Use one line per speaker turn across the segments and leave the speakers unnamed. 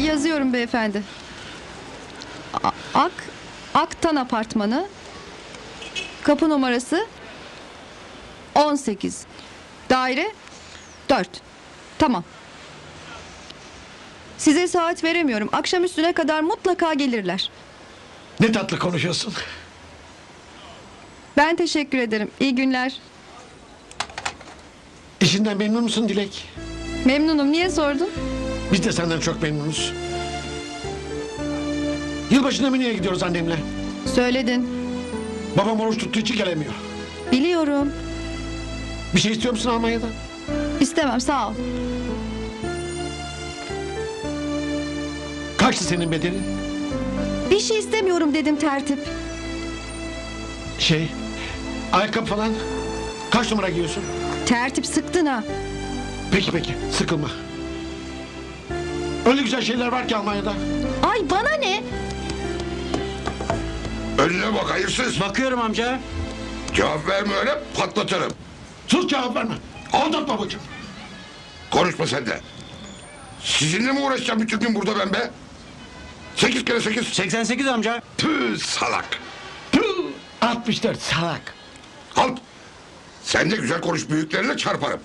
Yazıyorum beyefendi. Aktan Apartmanı. Kapı numarası 18. Daire 4. Tamam. Size saat veremiyorum. Akşam üstüne kadar mutlaka gelirler.
Ne tatlı konuşuyorsun.
Ben teşekkür ederim. İyi günler.
İşinden memnun musun Dilek?
Memnunum. Niye sordun?
Biz de senden çok memnunuz. Yılbaşında Münih'e gidiyoruz annemle.
Söyledin.
Babam oruç tuttuğu için gelemiyor.
Biliyorum.
Bir şey istiyor musun Almanya'dan?
İstemem, sağ ol.
Kaçtı senin bedelin?
Bir şey istemiyorum dedim tertip.
Ayakkabı falan. Kaç numara giyiyorsun?
Tertip sıktın ha.
Peki sıkılma. Öyle güzel şeyler var ki Almanya'da.
Ay bana ne?
Önüne bak hayırsız.
Bakıyorum amca.
Cevap verme öyle patlatırım.
Sus, cevap verme. Aldat babacığım.
Konuşma sen de. Sizinle mi uğraşacağım bütün gün burada ben be? 8 kere 8.
88 amca.
Tüh salak.
Tüh, 64 salak.
Halt. Sen de güzel konuş, büyüklerine çarparım.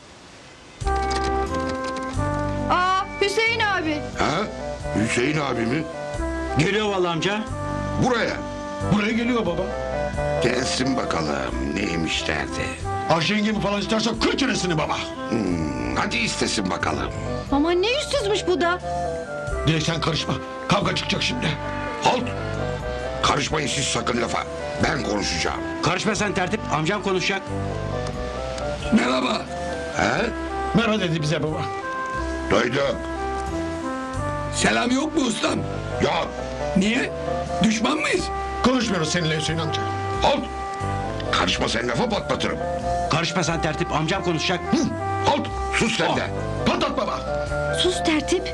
Aa, Hüseyin abi.
Ha? Hüseyin abi mi?
Geliyor vallahi amca.
Buraya.
Buraya geliyor baba.
Gelsin bakalım neymiş derdi.
Ayşe yengemi falan istersen kır çenesini baba.
Hadi istesin bakalım.
Ama ne yüzsüzmüş bu da.
Dilek sen karışma. Kavga çıkacak şimdi.
Halt. Karışmayın siz sakın lafa. Ben konuşacağım.
Karışma sen tertip. Amcam konuşacak.
Merhaba. He?
Merhaba dedi bize baba.
Duydum.
Selam yok mu ustam?
Yok.
Niye? Düşman mıyız?
Konuşmuyoruz seninle Hüseyin amca.
Halt. Karışma sen lafa patlatırım.
Karışma sen tertip. Amcam konuşacak.
Halt. Sus sen de.
Patlat baba.
Sus tertip.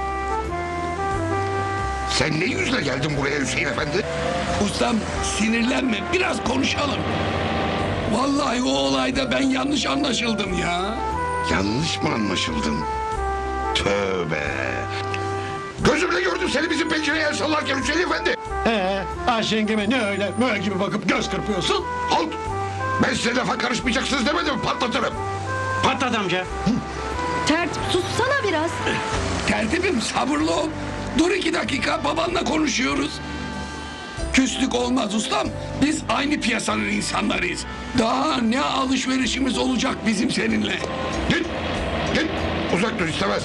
Sen ne yüzle geldin buraya Hüseyin efendi?
Ustam sinirlenme biraz konuşalım. Vallahi o olayda ben yanlış anlaşıldım ya.
Yanlış mı anlaşıldın? Tövbe. Gözümle gördüm seni bizim pencereye el sallarken Hüseyin efendi.
Ayşe yengeme ne öyle böyle gibi bakıp göz kırpıyorsun?
Halt. Ben size lafa karışmayacaksınız demedim mi? Patlatırım.
Patlat amca.
Tertip sussana biraz.
Tertibim sabırlı ol. Dur 2 dakika babanla konuşuyoruz. Küslük olmaz ustam. Biz aynı piyasanın insanlarıyız. Daha ne alışverişimiz olacak bizim seninle.
Git. Git. Uzak dur istemez.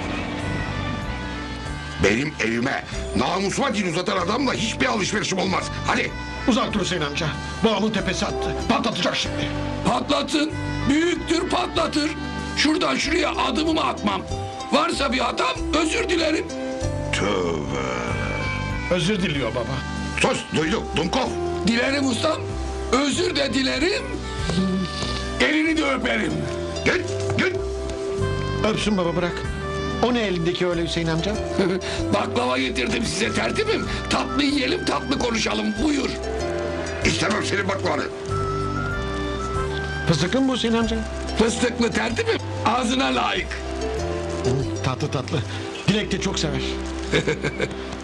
Benim evime namusuma dil uzatan adamla hiçbir alışverişim olmaz. Hadi.
Uzak dur Hüseyin amca. Babamın tepesi attı. Patlatacak şimdi.
Patlatın. Büyüktür patlatır. Şuradan şuraya adımımı atmam. Varsa bir hatam özür dilerim.
Tövbe.
Özür diliyor baba.
Sus duyduk Dumkov.
Dilerim ustam. Özür de dilerim. Elini de öperim.
Git. Git.
Öpsün baba bırak. O ne elindeki öyle Hüseyin amca?
Baklava getirdim size tertibim. Tatlı yiyelim tatlı konuşalım buyur.
İstemem senin baklavanı.
Fıstıklı mı bu Hüseyin amca?
Fıstıklı tertibim ağzına layık.
Tatlı tatlı. Dilek de çok sever.